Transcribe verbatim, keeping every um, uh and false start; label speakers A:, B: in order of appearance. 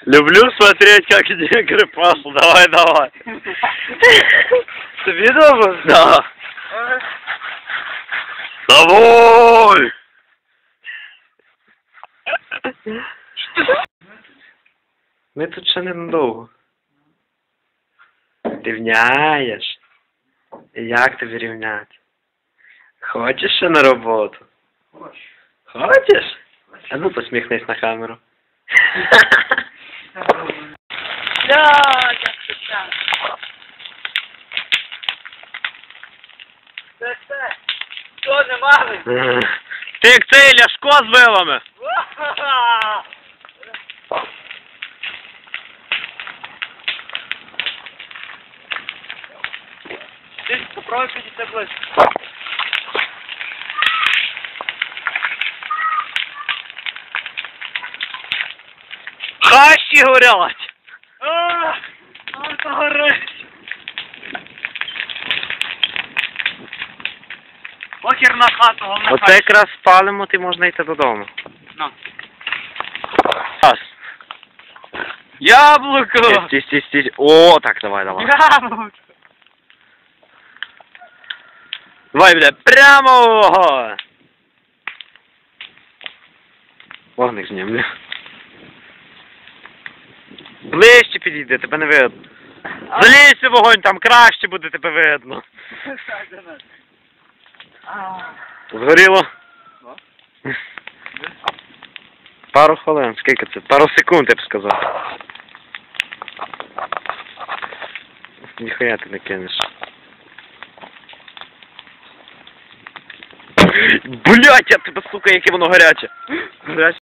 A: Люблю смотреть, как негры пасут. Давай, давай.
B: Ты видел?
A: Да. Давай!
B: Ми тут ще ненадовго. Рівняєш? І як тобі рівняти? Хочеш ще на роботу?
C: Хочу.
B: Хочеш? А ну посміхнись на камеру.
C: Блядь, як це. Це це. Що, не мали?
A: Ти як цей Ляшко з вилами.
C: Ти попробуй підійти ближче.
A: Хащі горять.
C: Ах, ах, це горить. Похер на хату, головне
B: Оце якраз спалимо, ти можна йти додому.
C: На.
A: Ас. Яблуко.
B: Стій, стій, стій. О, так, давай, давай.
C: Яблуко.
A: Давай, бля, прямо.
B: Вогник знімлю. Ближче підійди, тебе не видно.
A: Залізь у вогонь, там краще буде тебе видно. Згоріло?
B: Пару хвилин, скільки це? Пару секунд, я б сказав. Ніхуя ти не кинеш.
A: Блять, я тебе, сука, яке воно гаряче.
B: Гаряче.